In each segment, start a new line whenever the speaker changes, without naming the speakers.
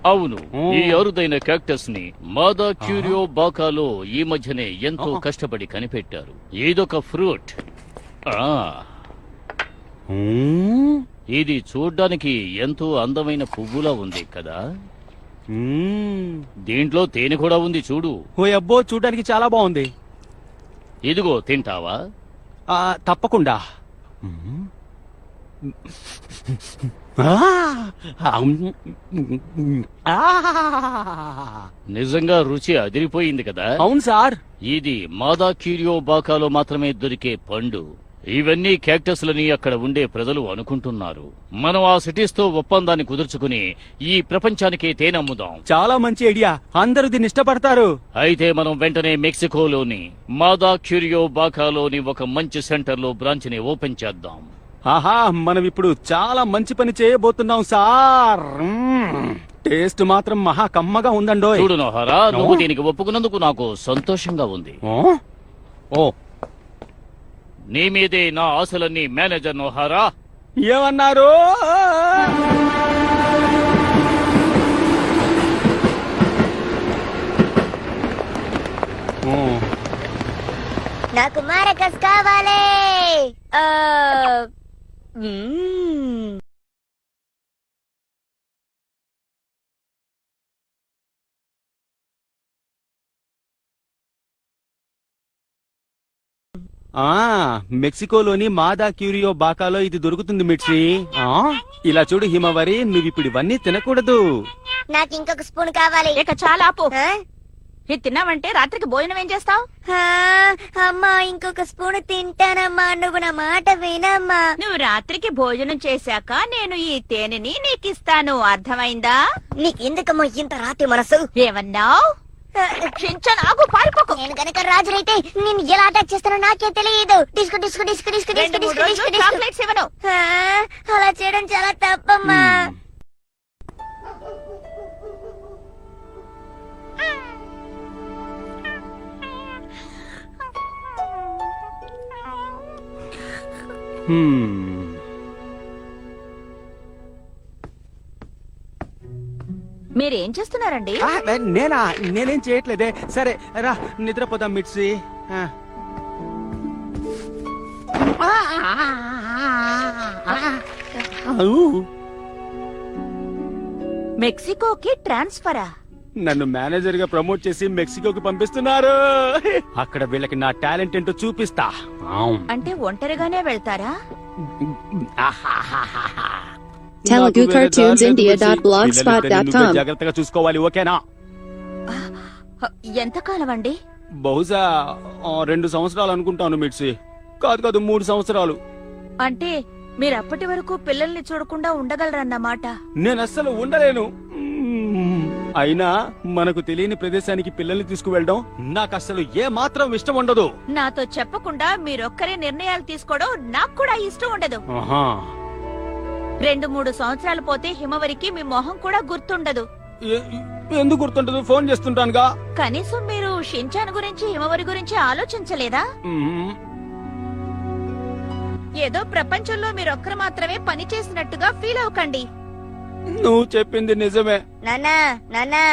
అవును, ఈ అరుదైన క్యాక్టస్ ని మాదా క్యూరియో బాకాలో ఈ మధ్యనే ఎంతో కష్టపడి కనిపెట్టారు. ఇదొక ఫ్రూట్. ఇది చూడ్డానికి ఎంతో అందమైన పువ్వులా ఉంది కదా. దీంట్లో తేనె కూడా ఉంది, చూడు.
ఓ అబ్బో, చూడ్డానికి చాలా బాగుంది.
ఇదిగో, తింటావా?
తప్పకుండా.
నిజంగా రుచి అదిరిపోయింది కదా.
అవును సార్.
ఇది మాదా క్యూరియో బాకాలో మాత్రమే దొరికే పండు. ఇవన్నీ క్యాక్టస్లని అక్కడ ఉండే ప్రజలు అనుకుంటున్నారు. మనం ఆ సిటీస్ తో ఒప్పందాన్ని కుదుర్చుకుని ఈ ప్రపంచానికే తేనె అమ్ముదాం.
చాలా మంచి ఐడియా, అందరూ దీన్ని ఇష్టపడతారు.
అయితే మనం వెంటనే మెక్సికోలోని మాదా క్యూరియో బాకాలోని ఒక మంచి సెంటర్ లో బ్రాంచ్ ని ఓపెన్ చేద్దాం.
ఆహా, మనం ఇప్పుడు చాలా మంచి పని చేయబోతున్నాం సార్. టేస్ట్ మాత్రం మహా కమ్మగా ఉందండో.
చూడు నోహారా, నువ్వు దీనికి ఒప్పుకున్నందుకు నాకు సంతోషంగా ఉంది.
ఓ,
నీ మీదే నా ఆశలన్నీ మేనేజర్ నోహారా.
ఏమన్నారు?
నాకు మారకస్ కావాలి.
మెక్సికోలోని మాదా క్యూరియో బాకాలో ఇది దొరుకుతుంది మిర్చి. ఇలా చూడు హిమవరి, నువ్విప్పుడు ఇవన్నీ తినకూడదు.
నాకు ఇంకొక స్పూన్ కావాలి.
ఇక చాలా ఆపు. ఇది తిన్నావంటే రాత్రికి భోజనం ఏం చేస్తావు?
అమ్మా, ఇంకొక స్పూన్ తింటానమ్మా. నువ్వు నా మాట వినమ్మా.
నువ్వు రాత్రికి భోజనం చేశాక నేను ఈ తేనెని నీకిస్తాను, అర్థమైందా?
నీకెందుకమ్మా ఇంత రాతి మనసు?
ఏమన్నావు? నాకు పారిపోకు.
నేను కనుక రాజునైతే నేను ఎలా అటాక్ చేస్తానో నాకే తెలియదు. Disco disco disco disco disco disco disco
chocolates ఇవ్వను.
అలా చేయడం చాలా తప్పమ్మా.
మీరేం చేస్తున్నారండి?
నేనేం చేయట్లేదే. సరే రా, నిద్రపోదాం మిర్చి.
మెక్సికోకి ట్రాన్స్ఫరా?
నన్ను మేనేజర్ గా ప్రమోట్ చేసి మెక్సికోకి పంపిస్తున్నారు. అక్కడ వీళ్ళకి నా టాలెంట్ ఏంటో చూపిస్తా.
అంటే ఒంటరిగానే వెళ్తారా?
telugucartoonsindia.blogspot.com
జాగ్రత్తగా చూసుకోవాలి, ఓకేనా?
ఎంతకాలం అండి?
బహుశా 2 సంవత్సరాలు అనుకుంటాను మిర్చి. కాదు 3 సంవత్సరాలు.
అంటే మీరు అప్పటి వరకు పిల్లల్ని చూడకుండా ఉండగలరన్నమాట.
నేను అస్సలు ఉండలేను. అయినా మనకు తెలియని ప్రదేశానికి పిల్లల్ని తీసుకువెళ్ళడం నాకు అస్సలు ఏ మాత్రం ఇష్టం ఉండదు.
నాతో చెప్పకుండా మీరొక్కరే నిర్ణయాలు తీసుకోవడం నాకు కూడా ఇష్టం ఉండదు. 2-3 సంవత్సరాలు పోతే హిమవరికి మీ మొహం కూడా గుర్తుండదు.
ఎందుకు గుర్తుండదు? ఫోన్ చేస్తుంటానుగా.
కనీసం మీరు షించాన్ గురించి హిమవరి గురించి ఆలోచించలేదా? ఏదో ప్రపంచంలో మీరొక్కరు మాత్రమే పని చేసినట్టుగా ఫీల్ అవ్వకండి.
నువ్వు చెప్పింది నిజమే.
నాన్నా నాన్నా,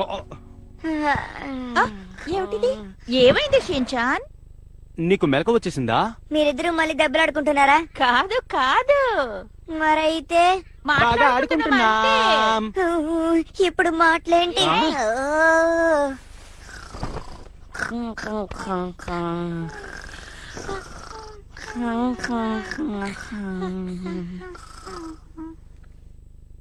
ఏమిటిది? ఏమైంది షించాన్?
నీకు మెలకు వచ్చేసిందా?
మీరిద్దరూ మళ్ళీ దెబ్బలాడుకుంటున్నారా?
కాదు కాదు.
మరైతే
బాగా ఆడుకుంటున్నాం.
ఇప్పుడు మాటలేంటి?